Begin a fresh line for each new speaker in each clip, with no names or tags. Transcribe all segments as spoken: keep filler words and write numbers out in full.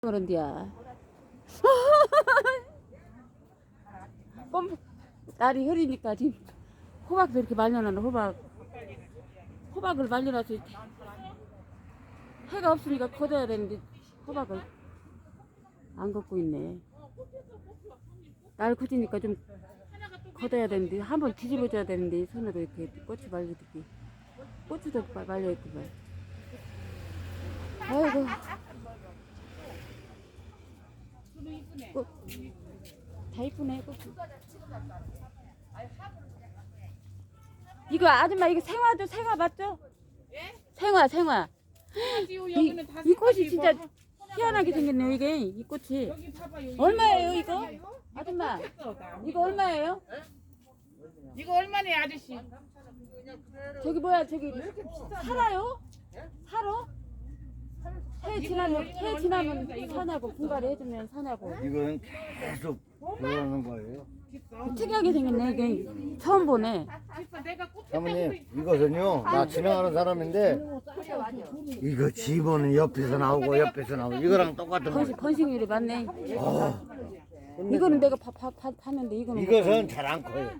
그런디야. 꼼 날이 흐리니까 지금 호박도 이렇게 말려놨는 호박 호박을 말려놔서 해가 없으니까 걷어야 되는데 호박을 안 걷고 있네. 날 굳으니까 좀 걷어야 되는데 한번 뒤집어줘야 되는데 손으로 이렇게 꽃이 말려듣기 고추도 말려있고 말. 아이고 꽃, 다 이쁘네 꽃. 이거 아줌마 이거 생화도 생화 맞죠?
예?
생화 생화.
이,
이, 이 꽃이 진짜 희한하게 생겼네요 이게 이 꽃이.
여기 봐봐요.
얼마예요 이거? 아줌마 이거 얼마예요?
이거 얼마네 아저씨?
저기 뭐야 저기 살아요? 살아? 해 지나면 해 지나면 사냐고 분갈이 해주면 사냐고.
이거는 계속 들어가는 거예요.
특이하게 생겼네 이게 처음 보네.
사모님 이것은요 나 지나가는 사람인데 이거 집어는 옆에서 나오고 옆에서 나오고 이거랑 똑같은
번식,
거.
번식률이 많네.
어,
이거는 내가 봐, 봐, 봐, 봤는데 이거는
이것은 잘 안 커요.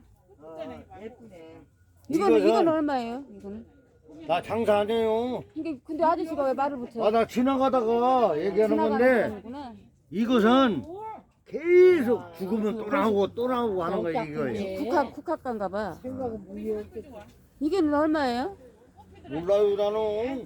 이거는
이것은-
이거는 얼마예요? 이거는
나 장사 안 해요.
이게 근데 아저씨가 왜 말을 못해?
아 나 지나가다가 얘기하는 건데
거구나.
이것은 계속 죽으면 또 나오고 또 나오고 하는 거예요 이거예요.
국화 국화가인가 봐. 이게는 얼마예요?
몰라요 나는.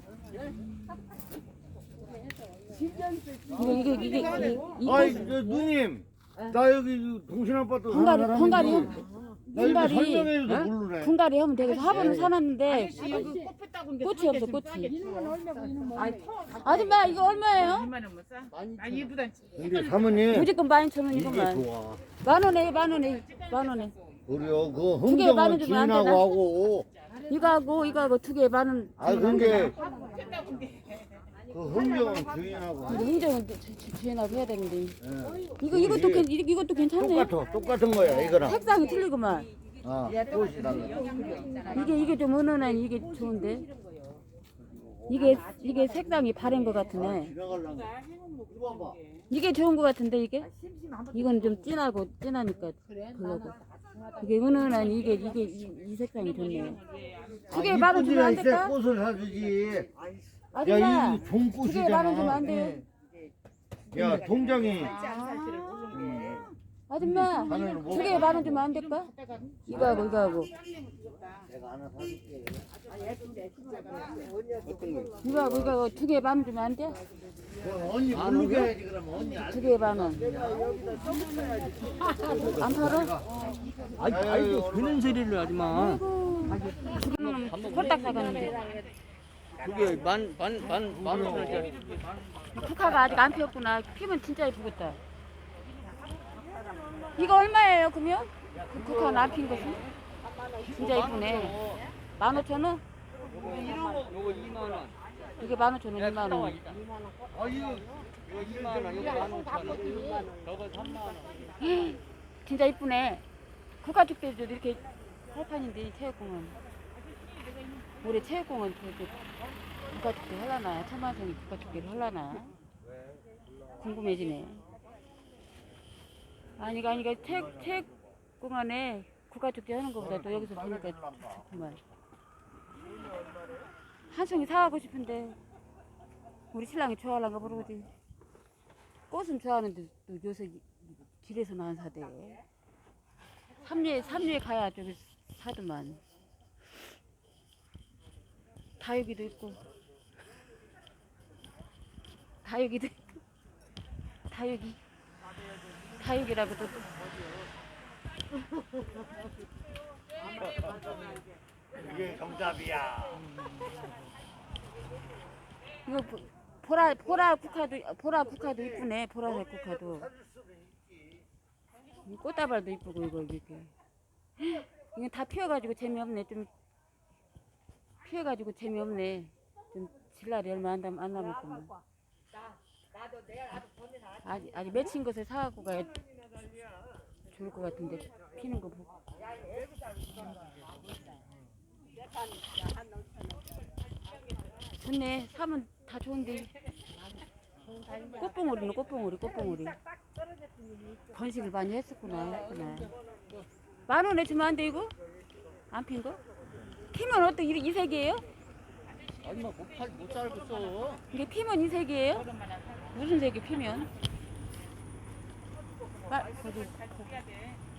이거 이게 이게 이게
아이
이거
저 누님 나 여기 동신 아파트
분갈이
사는
분갈이
사람인데 나 이거
분갈이
설명해줘도 모르네.
분갈이 하면 되겠어. 화분을 사놨는데
아저씨 여기 꽃 폈다고
꽃이 없어 꽃이. 아줌마 이거 얼마예요?
이만 원 못 사? 아 이쁘다.
근데 사모님
무조건 만 이천
이게
원이구만.
좋아.
만 원에 만 원에 만 원에.
그래요. 그
두 개에 만 원
흥정은
주면 안
주인하고
되나?
하고.
이거하고 이거하고 두 개에 만 원.
아 근데 그 흥정은 주인하고
근데
하고.
흥정은 주- 주- 주인하고 해야 되는데.
예.
이거 이것도 괜 이- 이것도 괜찮네.
똑같아. 똑같은 거야 이거랑.
색상이 틀리구만.
아 꽃이 달라.
이게 이게 좀 은은한 이게 좋은데. 이게 이게 색상이 바른 것 같으네.
지나가려고. 이거 봐봐.
이게 좋은 것 같은데 이게? 이건 좀 진하고 진하니까 별로고. 이게 은은한 이게 이게 이, 이 색상이 좋네. 두 개에 만 원 주면 안
이쁜데
될까?
꽃을 사주지.
아줌마
야 이거
두 개에 만 원 주면
종꽃이잖아.
안 돼.
야 동장이
아줌마
하늘을
두 개에 만 원 주면 안 될까? 이거하고 이거하고
내가 하나 사줄게.
이거하고 이거하고 두 개에 만 원 주면 안 돼?
그럼 언니 부르게 해야지 그러면 언니.
두 개에 만 원. 안 팔아?
아이, 아이고, 그런 소리를 하지 마.
지금은 홀딱 사갔는데
그게 만, 만, 만, 만 원짜리.
국화가 아직 안 피었구나. 피면 진짜 예쁘겠다. 이거 얼마예요 그러면? 그 국화는 안 핀 것은? 진짜 예쁘네. 만 오천 원?
요거 이만 원.
이게 만 오천 원, 이만 원.
아, 이거, 이거 이만 원, 이거 만 오천 원. 저거 삼만 원.
진짜 예쁘네. 국가축제도 이렇게 할판인데 체육공원. 올해 체육공원 저기 국가축제 할라나? 천만성이 국가축제를 할라나? 궁금해지네. 아니가 아니가 체육 체육공원에 국가축제 하는 것보다 또 여기서 보니까 좋구만. 한 송이 사가고 싶은데 우리 신랑이 좋아하려는가 모르지. 꽃은 좋아하는데 또 요새 길에서는 안 사대. 삼류에 삼류에 가야 저기 사더만. 다육이도 있고 다육이도 있고 다육이 다육이라고 또
이게 정답이야.
이거 보- 보라 보라 국화도 보라 국화도 이쁘네. 보라색 국화도. 이 꽃다발도 이쁘고 이거 이렇게. 이건 다 피어가지고 재미없네. 좀 피어가지고 재미없네. 좀 질날이 얼마 안 남 안 남았구만. 아직 아직 맺힌 것을 사갖고 가야 좋을 것 같은데 피는 거 보고. 좋네. 사면 다 좋은데 꽃봉오리는 꽃봉오리, 꽃봉오리. 번식을 많이 했었구나, 했구나. 만 원에 주면 안 돼, 이거? 안 핀 거? 피면 어떻게 이, 이 색이에요?
아니 뭐못 살겠어.
이게 피면 이 색이에요? 무슨 색이 피면? 아, 저기,
잘 줘야 돼.